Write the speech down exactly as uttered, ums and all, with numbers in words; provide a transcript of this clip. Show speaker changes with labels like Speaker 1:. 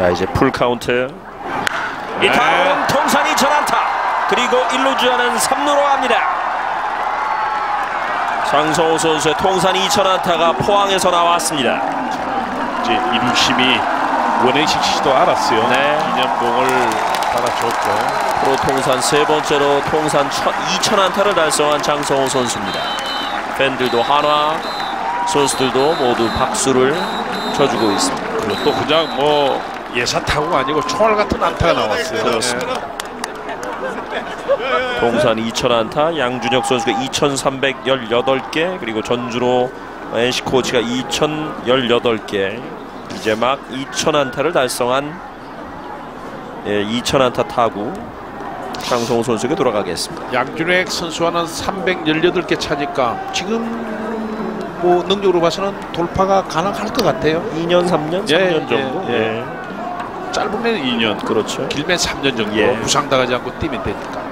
Speaker 1: 자, 이제 풀 카운트. 이 타구는 통산 이천 안타. 그리고 일 루 주자는 삼 루로 갑니다. 장성호 선수의 통산 이천 안타가 포항에서 나왔습니다.
Speaker 2: 이제 이루심이 원행식 씨도 알았어요.
Speaker 1: 네.
Speaker 2: 기념봉을 달아줬고
Speaker 1: 프로 통산 세 번째로 통산 이천 안타를 달성한 장성호 선수입니다. 팬들도 한화, 선수들도 모두 박수를 쳐주고 있습니다.
Speaker 2: 그리고 또 그냥 뭐 예사 타구가 아니고 총알 같은 안타가 나왔어요.
Speaker 1: 그렇습니다. 통산 이천 안타, 양준혁 선수가 이천삼백십팔 개, 그리고 전준호 엔씨 코치가 이천십팔 개. 이제 막 이천 안타를 달성한 예, 이천 안타 타구 장성호 선수에게 돌아가겠습니다.
Speaker 2: 양준혁 선수와는 삼백십팔 개 차니까 지금 뭐 능력으로 봐서는 돌파가 가능할 것 같아요.
Speaker 1: 이 년, 삼 년,
Speaker 2: 예,
Speaker 1: 삼 년 정도.
Speaker 2: 예, 예.
Speaker 1: 예.
Speaker 2: 짧으면 이 년,
Speaker 1: 그렇죠.
Speaker 2: 길면 삼 년 정도
Speaker 1: 예.
Speaker 2: 부상당하지 않고 뛰면 되니까.